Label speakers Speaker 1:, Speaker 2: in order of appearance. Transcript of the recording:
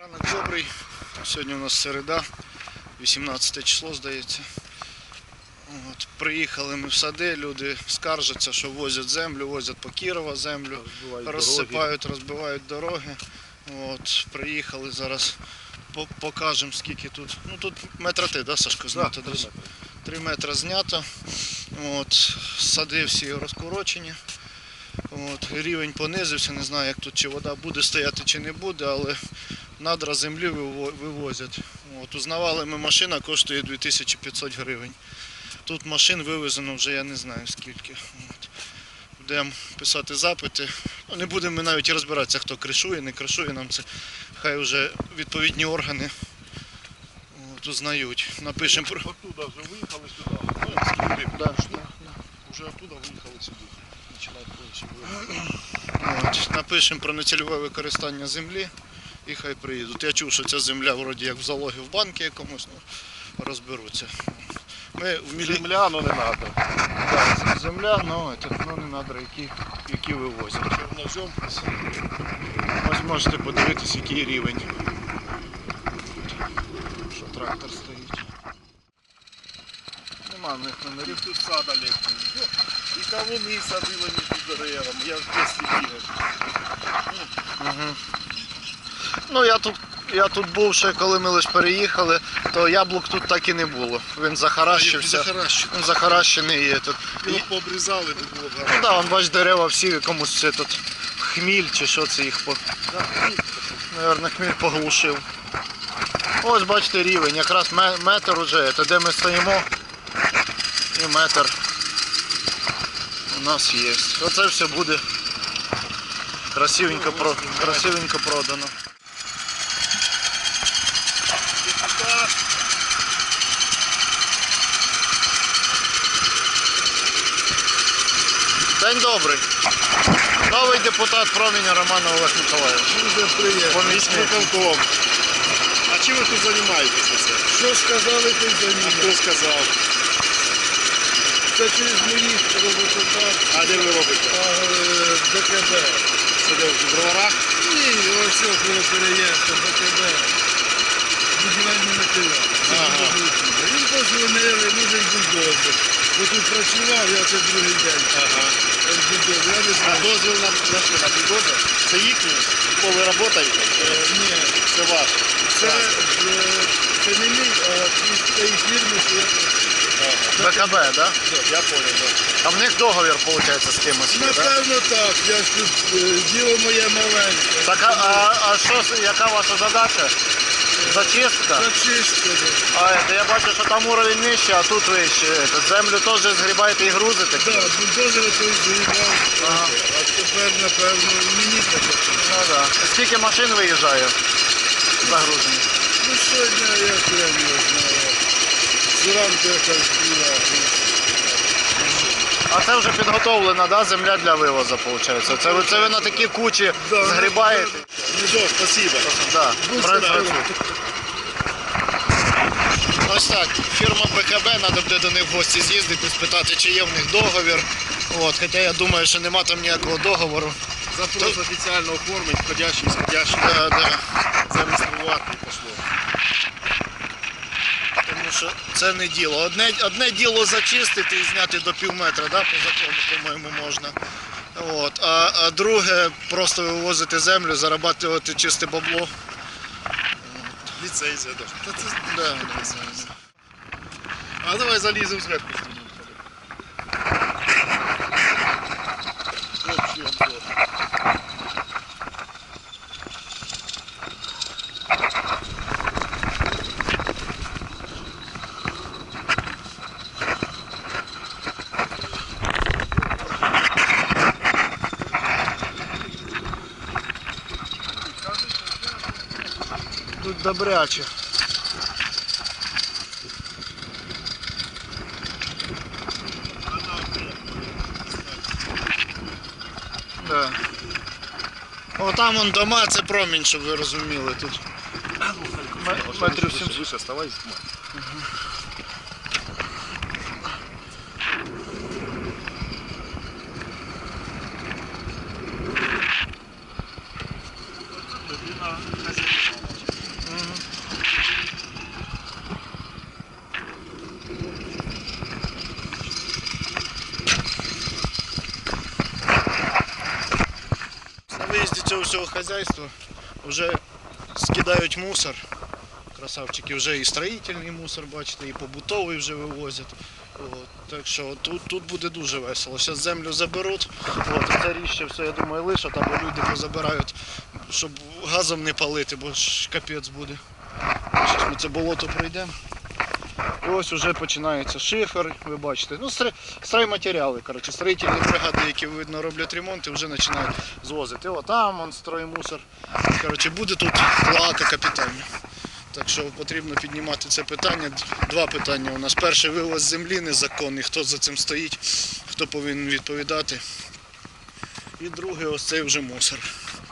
Speaker 1: Ранок добрий. Сьогодні у нас середа, 18 число, здається. Приїхали ми в сади, люди скаржаться, що возять землю, возять по Кірова землю, розсипають, розбивають дороги. Приїхали зараз, покажемо скільки тут. Ну тут метра ти, да, Сашко, знято? Да, 3 метри знято. Сади всі розкорочені. Рівень понизився, не знаю, як тут, чи вода буде стояти, чи не буде, але надра землі вивозять. Узнавали ми, машина коштує 2500 гривень. Тут машин вивезено вже я не знаю скільки. Будемо писати запити. Не будемо ми навіть розбиратися, хто кришує, не кришує, нам це хай вже відповідні органи узнають. Напишемо про...
Speaker 2: Оттуда вже виїхали сюди. Вже оттуда виїхали сюди.
Speaker 1: Напишемо про нецільове використання землі і хай приїдуть. Я чув, що ця земля вроді як в залогі в банку якомусь, розберуться.
Speaker 2: Земля, але не треба.
Speaker 1: Так, земля, але не надра, які вивозять.
Speaker 2: Чернозем.
Speaker 1: Ось можете подивитись, який рівень. Що трактор стоїть. Нема в них номерів.
Speaker 2: Тут сад Олег. І кавуни садили між деревами. Я в дитинстві бігав.
Speaker 1: Ну я тут був ще, коли ми лише переїхали, то яблук тут так і не було. Він захаращився. Він захаращений є тут.
Speaker 2: Його пообрізали, не було
Speaker 1: Ну так, вон бач, дерева всі комусь це тут хміль чи що це їх Наверно, хміль поглушив. Ось бачите рівень, якраз метр уже, це де ми стоїмо. І метр у нас є. Оце все буде красивенько продано. День добрий. Новий депутат Проміння Роман Олег Миколаївич.
Speaker 2: Дуже приємно. А чим ви тут займаєтеся? Що сказали, ти займаєтеся? Хто сказав? Це через моїх роботодавців. А де ви робите? БКБ. Це де в броварах? Ні, ось коли переїхав, БКБ. Будівельний матеріал. Він позвонили, нужен бульдозер. Бо тут працював, я це другий день. А дозвіл на бульдозер? Це їхній? Коли ви працюєте? Ні. Це ваш? Це не мій, а цієї фірми, що я працюю.
Speaker 1: БКБ, так? Да?
Speaker 2: Я зрозумів, так.
Speaker 1: А в них договір, виходить, з кимось?
Speaker 2: Напевно так, я ж тут діло моє маленьке.
Speaker 1: Так, а що, яка ваша задача? Зачистка?
Speaker 2: Зачистка.
Speaker 1: Я бачу, що там уровень нижче, а тут вище. Землю теж згрібаєте і грузите?
Speaker 2: Так, бульдозери той згрібав, а тепер, напевно, мені таке.
Speaker 1: Ну так. Скільки машин виїжджає загружені?
Speaker 2: Ну сьогодні я прямо не знаю. Зранку якась була.
Speaker 1: А це вже підготовлена, да, земля для вивозу, виходить? Це ви на такі кучі згрібаєте?
Speaker 2: Ну що, спасибо.
Speaker 1: Да, працюйте. Ось так, фірма БКБ, треба буде до них в гості з'їздити, спитати, чи є в них договір. Хоча я думаю, що нема там ніякого договору.
Speaker 2: Запрос офіційно оформить, входящий, исходящий.
Speaker 1: Да.
Speaker 2: Зареєструвати і пошло.
Speaker 1: Тому що це не діло. Одне діло зачистити і зняти до півметра, да, по закону, по-моєму, можна. А друге просто вивозити землю, зарабатувати чисте бабло.
Speaker 2: Ліцензія, так.
Speaker 1: Да.
Speaker 2: А давай заліземо зверху.
Speaker 1: Тут добряче. Да. Там вон дома, це Промінь, щоб ви розуміли тут. Метрів 700.
Speaker 2: Вище ставай. людина хазяйка.
Speaker 1: всього хазяйства вже скидають мусор. Красавчики, вже і строїтельний мусор, бачите, і побутовий вже вивозять. От, так що тут буде дуже весело. Зараз землю заберуть, от, це ріще все, я думаю, лишать, або люди позабирають, щоб газом не палити, бо ж капець буде. Зараз ми це болото пройдемо. І ось вже починається шифер, ви бачите. Ну, стройматеріали, коротше, строїтельні бригади, які, видно, роблять ремонт і вже починають звозити. О, там он строймусор. Коротше, буде тут клоака капітальна. Так що потрібно піднімати це питання. Два питання у нас. Перше, вивоз землі незаконний, хто за цим стоїть, хто повинен відповідати. І друге, ось цей вже мусор.